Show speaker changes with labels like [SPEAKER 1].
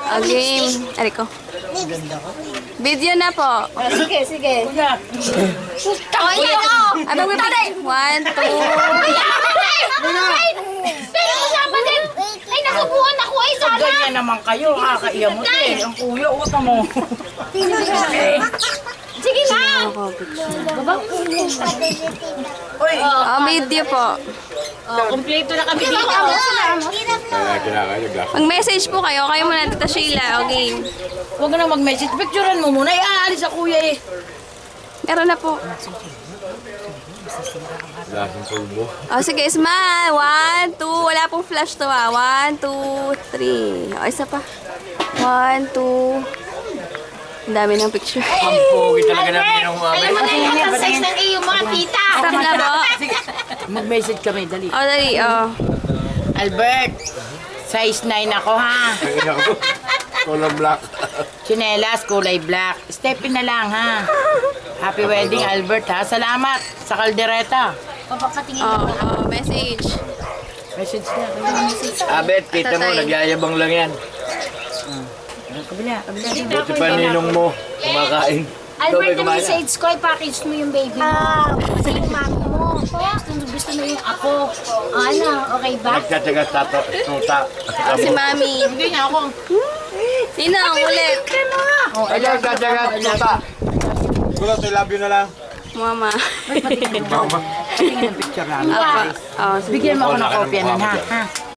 [SPEAKER 1] O, game. Ari ko. Video na po.
[SPEAKER 2] Sige, sige.
[SPEAKER 1] Oh, yan o. Ano ba? 1, 2.
[SPEAKER 2] Pero usapan din. Ay, nasubukan ako ay sana.
[SPEAKER 3] Ganyan naman kayo, kakaiya mo eh. Ang kuya, utang mo.
[SPEAKER 2] Sige na.
[SPEAKER 3] Uy,
[SPEAKER 1] Oh, video po.
[SPEAKER 2] Kompleto na kami dito.
[SPEAKER 1] Mag-message po kayo. Kayo muna, Tita Sheila. O, game.
[SPEAKER 3] huwag na mag-message. Picturean mo muna. Aalis sa kuya eh.
[SPEAKER 1] Meron na po. Oh, sige, smile. 1, 2. Wala pong flash to ha. 1, 2, 3. O, isa pa. 1, 2. Ang dami ng picture.
[SPEAKER 4] Ang pogi talaga namin ng mga
[SPEAKER 2] Alam mo na yung hatang size ng iyong mga tita.
[SPEAKER 1] Stop na po.
[SPEAKER 3] Mag-message kami, dali.
[SPEAKER 1] O, dali. O.
[SPEAKER 3] Albert, size 9 ako ha.
[SPEAKER 4] Color black.
[SPEAKER 3] Chinelas, kulay black. Stepin na lang ha. Happy wedding, Albert ha. Salamat sa kaldereta.
[SPEAKER 2] Papakatingin
[SPEAKER 1] O,
[SPEAKER 2] mo.
[SPEAKER 1] message.
[SPEAKER 3] Message na.
[SPEAKER 4] Abet, kita mo,
[SPEAKER 1] Tatay.
[SPEAKER 4] nagyayabang lang yan.
[SPEAKER 3] Kabila.
[SPEAKER 4] Buti pa ninong mo, kumakain.
[SPEAKER 2] Albert, na message ko, i-package mo yung baby mo. Kasi yung mami mo. Gusto na yung ako. Ano, okay ba?
[SPEAKER 4] Nagtataga tuta.
[SPEAKER 1] Si Mami.
[SPEAKER 3] Hindi nga ako.
[SPEAKER 1] Sino? Ulit.
[SPEAKER 4] Ay, nagtataga tuta. Kulot, I love you na lang.
[SPEAKER 1] Mama.
[SPEAKER 3] Tingin ang picture namin.
[SPEAKER 1] Apa. Oh, sige.
[SPEAKER 3] Bigyan mo ako ng kopya nun ha.